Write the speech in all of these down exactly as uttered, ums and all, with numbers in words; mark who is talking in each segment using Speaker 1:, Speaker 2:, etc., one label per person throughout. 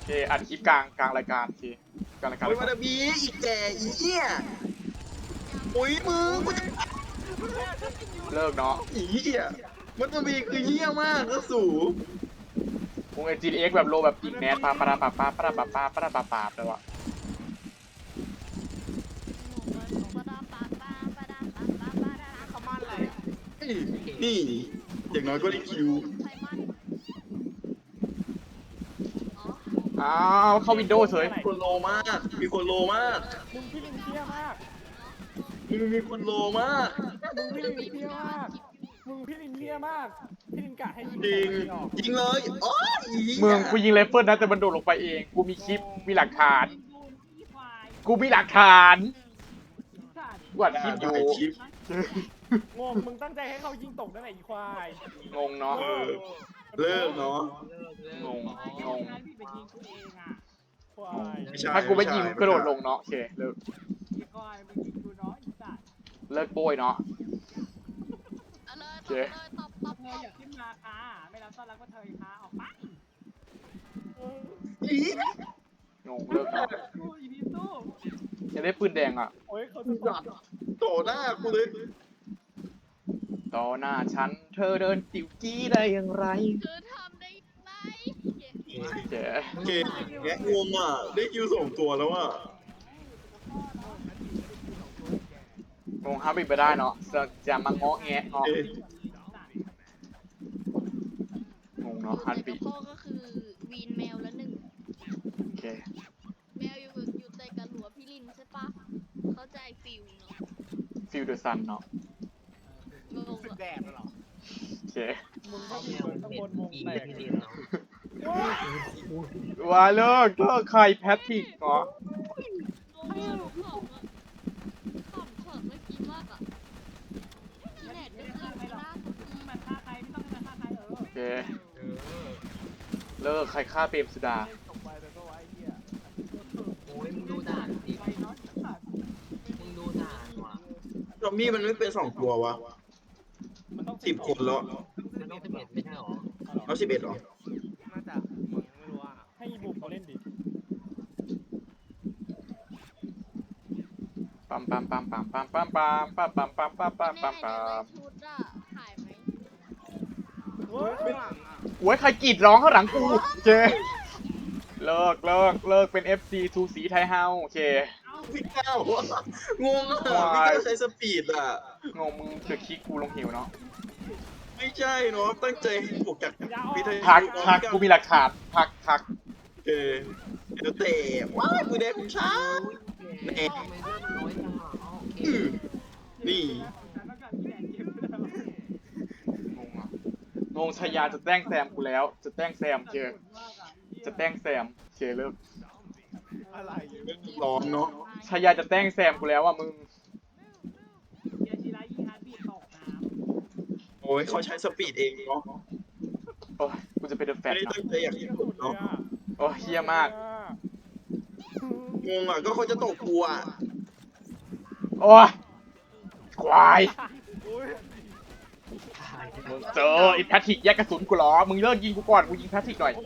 Speaker 1: เคอัดคลิปกลางกลางรายการโอเคกลางรายการ
Speaker 2: โอ้ยมาดาบีอีกแก่อีเหี้ยโอ้ยมึงกูจะ
Speaker 1: เลิกเนาะ
Speaker 2: อีเหี้ยมาดาบีคือเหี้ยมากก็สู
Speaker 1: วงไอจีเอ็กแบบโลแบบอีกแนทปาปาปาปาปาปาปาปาปาปาปาเลยวะ
Speaker 2: นี่อย่างน้อยก็ได้คิว
Speaker 1: อ้าวเข้าวินโดว์เฉย
Speaker 2: มีคนโลมากมีคนโลมาก
Speaker 3: มึงพี่ลินเที่ยมาก
Speaker 2: มึงมีคนโลมาก
Speaker 3: มึงพี่ลินเที่ยมาก มึงพี่ลินเที่ยมาก พี่ลินกะให้ยิง
Speaker 2: จริง
Speaker 3: ออก
Speaker 2: ยิงเลยโอ้ยอี
Speaker 1: มึงกูยิงไรเฟิลนะแต่มันโดดลงไปเองกูมีคลิปมีหลักฐานกูมีหลักฐานกูอัดคลิปอยู่
Speaker 2: ได้คลิป
Speaker 3: งงมึงตั้งใจให้เขายิงตกนั่นแหละอีควาย
Speaker 1: งงเนาะ
Speaker 2: เออเลิกเนาะ
Speaker 1: งงงง
Speaker 3: ควาย
Speaker 2: ไม่ใช่
Speaker 1: ถ้ากูไม่ยิงกระโดดลงเนาะโอเคเลิก
Speaker 3: ควายมึงยิงกูเนาะอีสัตว์
Speaker 1: เลิกโบยเนาะ
Speaker 4: โอเคตบตบ
Speaker 3: เธออยากขึ้นมาค่ะไม่รับต้อนรับก็เธอค่ะออกไป
Speaker 2: อี
Speaker 1: งงเลิกเนาะ
Speaker 3: สู้อีพีสู้
Speaker 1: จะได้ปืนแดงอ่ะ
Speaker 3: โอ้ยเขาจะตบ
Speaker 2: โตหน้ากูเลย
Speaker 1: ต่อหน้าฉันเธอเดินติวกี้ได้อย่างไร
Speaker 4: เธอทำได้ไหม
Speaker 1: เจ๊
Speaker 2: เกมแงะงงอ่ะได้คิวสองตัวแล้วอ่ะ
Speaker 1: งงฮาบิดไปได้เนาะจะจะมาเงาะแงะเงาะ
Speaker 2: เอ๊ะ
Speaker 1: งงเนาะฮัน
Speaker 4: แต่
Speaker 1: บิ
Speaker 4: กับพ่อก็คือวีนแมวละหนึ่ง
Speaker 1: โอเค
Speaker 4: แมวอยู่อยู่แต่กับหัวพี่ลินใช่ปะเข้าใจฟิลเนาะ
Speaker 1: ฟิลเดอร์ซันเนาะ
Speaker 4: งง
Speaker 3: สึก
Speaker 4: อะ
Speaker 3: แดดเหรอ
Speaker 1: โอเค
Speaker 3: มึงก็มีคนข้างบนวงแตก
Speaker 1: ว่าเลิกเลิกใครแพทริกเนาะ
Speaker 4: งงอะขำอะขำเฉิดเมื่อกี้มากอะอีแหนดก็คือไม่น่าสน
Speaker 3: มันฆ่าใครไม่ต้องฆ่าใครเออ
Speaker 1: โอเคเลิกใครฆ่าเปรมสุดา
Speaker 3: ตกไปแต่ก็ไว้เหี้ย
Speaker 5: โอ้ยมึงดูด่านดิ
Speaker 3: ไปเนาะสัตว์
Speaker 5: มึงดูด่านว่ะ
Speaker 2: ซอมบี้มันไม่เป็นสองตัววะ
Speaker 3: มันต้อง
Speaker 2: สิบคนแล้ว
Speaker 5: มันต้องสิบเอ็ดไม่ใช่หรอ
Speaker 2: แล้วสิบเอ็ดหรอ
Speaker 6: น่าจะมึงไม่รู้อ่ะ
Speaker 3: ให้อีบุกเขาเล่นดิ
Speaker 1: ปั๊มปั๊มปั๊มปั๊มปั๊มปั๊มปั๊มปั๊มปั๊มปั๊มปั๊มปั๊ม
Speaker 4: แน่
Speaker 1: ปั๊ม
Speaker 4: เดี๋ยว
Speaker 1: ปั๊
Speaker 4: ได้
Speaker 1: ม
Speaker 4: ชุดอะหายไหม
Speaker 3: เว้ย
Speaker 6: ข้างหลังอ่ะ
Speaker 1: โอ้ยใครกรีดร้องข้างหลังกูโอเคเลิกเลิกเลิกเป็น เอฟ ซี ทูสีไทยเฮาโอเค
Speaker 2: พี่ก้าวอะงงอ่ะพี่ก้าวใช้สปีดอ่ะ
Speaker 1: งงมึงเกิดคลิกกูลงหิวเนาะ
Speaker 2: ไม่ใช่เนาะตั้งใจให้บวกจากวิทยา
Speaker 1: ทักทักกูมีหลักฐานทักทัก
Speaker 2: เออเดี๋ยวเตะว้ายกูได้คุณช้า
Speaker 5: แหมทำไมเลือดมันน้อยจังอ่ะอ๋อโอเค
Speaker 2: อือนี่
Speaker 1: งงอ่ะงงชายาจะแต้งแซมกูแล้ว จะแต้งแซมเจอจะแต้งแซมโอเคเลิก
Speaker 6: อะไรอยู่
Speaker 2: ร้อนเนาะ
Speaker 1: ชายาจะแต้งแซมกูแล้วอ่ะมึง
Speaker 2: โอ้ยเขาใช้สปีดเองเนาะ
Speaker 1: โอ้ยกูจะเป็นเดอะแฟ
Speaker 2: ไม่
Speaker 1: ต
Speaker 2: ได้
Speaker 1: นะ
Speaker 2: ตั้งใจอยากเห็นผมเนาะ
Speaker 1: โอ้ยเฮี้ยมาก
Speaker 2: งงอ่ะก็เขาจะตกกูอ่ะ
Speaker 1: โอ้ยควาย
Speaker 5: ตาย
Speaker 1: มึงเจอไอ้แพทริกแยกกระสุนกูเหรอมึงเลิกยิงกูก่อนกูยิงแพทริกหน่อย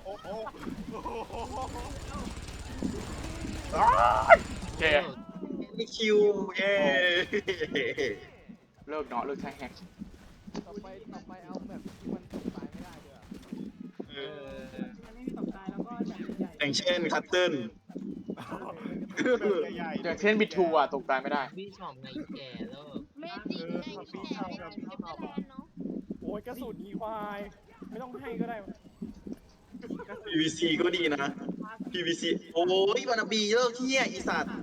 Speaker 1: อ้ายโอเค
Speaker 2: มีคิวเย้
Speaker 1: เลิกเนาะเลิกใช้แฮก
Speaker 6: ต่อไปต่อไปเอาแบบที่มันตกตายไม่ได้ด้วยอะ
Speaker 2: เอ
Speaker 5: เอ
Speaker 2: อ
Speaker 5: อ
Speaker 2: อย่างเช่นคัตเติ้ล
Speaker 6: ใหญ่
Speaker 1: อย่างเช่นบิทูอ่ะตกตายไม่ได้
Speaker 5: พี่ชอบไงแก่เลิก
Speaker 4: เมจิไงพี่แหนเมจิเก็บไปแลนเนาะ
Speaker 3: โอ้ยกระสุนอีควาย ไม่ต้องให้ก็ได้
Speaker 2: พี วี ซี ก็ดีนะ พี วี ซี โอ้ยบานาบีเลิกเที่ยอีสัตว์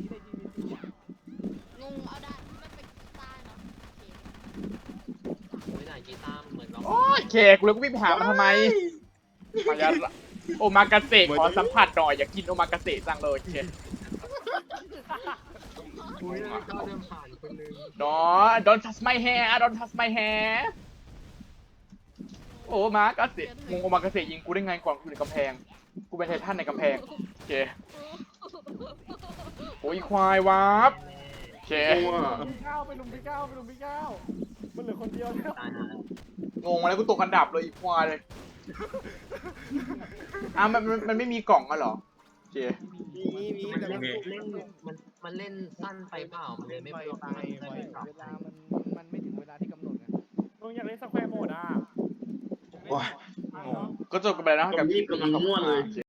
Speaker 4: งงเอาด่านที่มันเป็นกีตาร์เนาะโอเค
Speaker 5: ไม่ได้กีตาร์เหมือนเรา
Speaker 1: โอ้ยเคกูเลยกูวิ่งไปหามันทำไมมายาโอมากาเสะขอสัมผัสหน่อยอยากกินโอมากาเสะจังเลยเค
Speaker 5: อุ้ยเราเดินผ่านคนนึง
Speaker 1: ดอน don't touch my hair don't touch my hair โอมากาเสะงงโอมากาเสะยิงกูได้ไงก่อนกูอยู่ในกำแพงกูเป็นไททันในกำแพงโอเคโอ้ยควายวับโอเค
Speaker 2: งงอ่ะ
Speaker 3: พี่ก้าวไปลุมพี่ก้าวไปลุมพี่ก้าวมันเหลือคนเดียวแล้ว
Speaker 5: ตายหาแล้ว
Speaker 1: งงมาแล้วกูตกอันดับเลยอีกควายเลยอ่ะมันมันมันไม่มีกล่องอ่ะเหรอโอเค
Speaker 2: มีมี
Speaker 5: มัน
Speaker 2: แต่
Speaker 5: เล่น
Speaker 2: มัน
Speaker 5: เล่นมันมันเล่นสั้นไปเปล่ามันเลยไม่
Speaker 6: ไป
Speaker 5: ไม่
Speaker 6: ไป
Speaker 5: ไม่
Speaker 6: ไป
Speaker 5: ไม่ปรับ
Speaker 6: เวลามันมันไม่ถึงเวลาที่กำหนดไง
Speaker 3: มึงอยากเล่นสแควร์โหมดอ่ะ
Speaker 1: โอ้ยงงก็จบกันไปแล้วนะกับคลิปนี้ขอบคุณมาก